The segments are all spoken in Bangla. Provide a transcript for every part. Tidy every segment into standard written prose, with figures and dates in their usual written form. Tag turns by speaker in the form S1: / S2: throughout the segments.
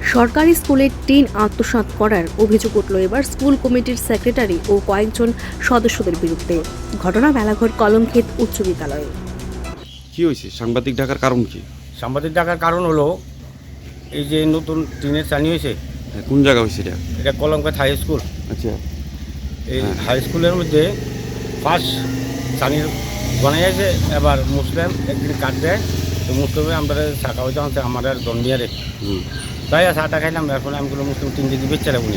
S1: সরকারি স্কুলের টিন আত্মসাৎ করার অভিযোগ উঠল এবার স্কুল কমিটির সেক্রেটারি ও কয়েকজন সদস্যদের বিরুদ্ধে। ঘটনা মেলাঘর কলমক্ষেত উচ্চ বিদ্যালয়ে।
S2: কি হয়েছে? সাংবাদিক ডাকার কারণ কি?
S3: সাংবাদিক ডাকার কারণ হলো এই যে নতুন টিনের চানি হয়েছে,
S2: হ্যাঁ, কোন জায়গা হয়েছে এটা?
S3: এটা কলমকাত হাই স্কুল।
S2: আচ্ছা,
S3: এই হাই স্কুলের মধ্যে ফার্স্ট চানির বানাই আছে। এবার মুসলিম একদিন কাট দেয়, তো মুসলিমে আমরা শাখা হইতে আনছে আমাদের জন্মিয়ারে,
S2: হুম,
S3: তাই চাটা খাইলাম। এরপরে আমি বললাম মুসলিম টিন দিকে বেচছে উনি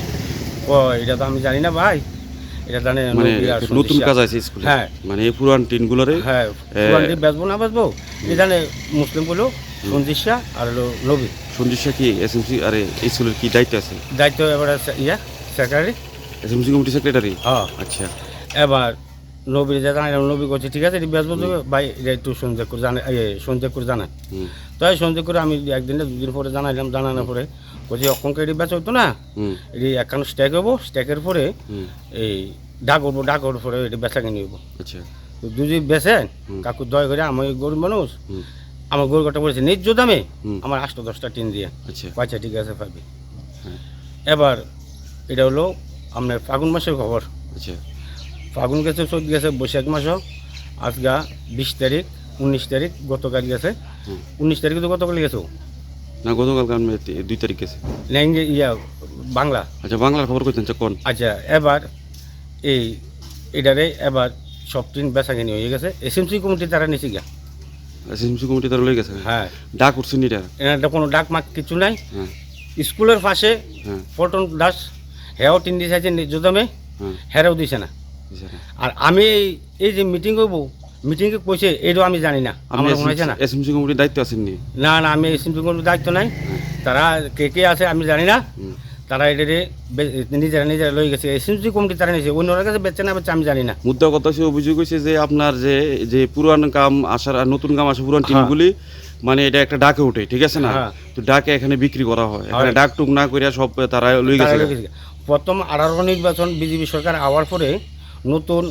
S3: এটা তো আমি জানি না ভাই, এটা জানে
S2: মানে
S3: নবী আর
S2: নতুন
S3: সন্দেশিয়া।
S2: কাজ আছে স্কুলে?
S3: হ্যাঁ।
S2: মানে এই পুরান টিনগুলোরে?
S3: হ্যাঁ, পুরানটি বেচবো না বেচবো, এই জানে মুসলিম বলো সন্দেশিয়া আর হলো নবী।
S2: সন্দেশা কি এসএমসি আরে এই স্কুলের কি দায়িত্ব আছে?
S3: দায়িত্ব এবারে সেক্রেটারি।
S2: SMC committee secretary?
S3: হ্যাঁ।
S2: আচ্ছা,
S3: এবার নবীর যে জানাইলাম, নবী করছে ঠিক আছে বেচবো দেবে ভাই, এটা একটু সন্দেহ করে জানা সন্দেহ করে জানায়।
S2: হুম,
S3: তাই সন্দেহ করে আমি একদিন না দুদিন পরে জানাইলাম, জানানোর পরে বলছি অক্ষণকে এটি বেচা হইতো না,
S2: হুম,
S3: এটি একখান স্ট্যাক হবো, স্ট্যাকের পরে
S2: হুম,
S3: এই ডাক উঠবো, ডাক ওঠার পরে এটি বেচা কিনে হইব।
S2: আচ্ছা,
S3: তো দুজি বেচে
S2: হুম।
S3: কাকু দয়া করে, আমি গরিব মানুষ,
S2: হুম,
S3: আমার গরু কাটা বলেছে ন্যায্য দামে
S2: হুম।
S3: আমার 8-10টা টিন দিয়ে।
S2: আচ্ছা,
S3: আচ্ছা ঠিক আছে পাবি।
S2: হ্যাঁ,
S3: এবার এটা হলো আপনার ফাগুন মাসের খবর।
S2: আচ্ছা,
S3: ফাগুন গেছে, চোদ্দ গেছে, বৈশাখ মাসও আজগা 20 তারিখ, 19 তারিখ গতকাল গেছে।
S2: হুম।
S3: 19 তারিখে তো গতকাল গেছে
S2: না গতকালকে আমি 2 তারিখ গেছে।
S3: ল্যাঙ্গে বাংলা।
S2: আচ্ছা, বাংলার খবর কইতেন কোন?
S3: আচ্ছা, এবার এই এটারে এবার সব ট্রেন বেচা কিনি হয়ে গেছে। এসএমসি কমিটি তারা নিচে গিয়া।
S2: এসএমসি কমিটি তার লই গেছে?
S3: হ্যাঁ,
S2: ডাক উঠছেন এটা?
S3: এটা কোনো ডাক মাক কিছু নাই।
S2: হ্যাঁ,
S3: স্কুলের পাশে
S2: হ্যাঁ,
S3: পল্টন দাস হেও টিন দিছে আছে ন্যায্য দামে,
S2: হ্যাঁ,
S3: হেরাও দিছে না।
S2: বুঝছে না।
S3: আর আমি এই যে মিটিং করবো, মিটিংয়ে কইছে এটাও আমি জানি না,
S2: আপনি
S3: আমার মনে হয়েছে না।
S2: এসএমসি কমিটির দায়িত্ব আছেন নি?
S3: না না, আমি এসএমসি কোনো দায়িত্ব নাই। তারা কে কে আছে আমি জানি না।
S2: হুম।
S3: তারা এটারে নিজেরা নিজেরা লই গেছে। এসএমসি কমিটি তারা নিয়েছে, অন্যরা কাছে বেচছে না বেচছে আমি জানি না।
S2: মুদ্রা কথা সে অভিযোগ হয়েছে যে আপনার যে যে পুরান কাম আসার আর নতুন কাম আসে পুরান টিমগুলি, মানে এটা একটা ডাকে ওঠে, ঠিক আছে না?
S3: হ্যাঁ।
S2: তো ডাকে এখানে বিক্রি করা হয়, এখানে
S3: হয়।
S2: ডাক টুক না করিয়া সব তারা লই
S3: তারা
S2: গেছে।
S3: লই গেছে। প্রথম 18 নির্বাচন বিজেপি সরকার আওয়ার পরে নতুন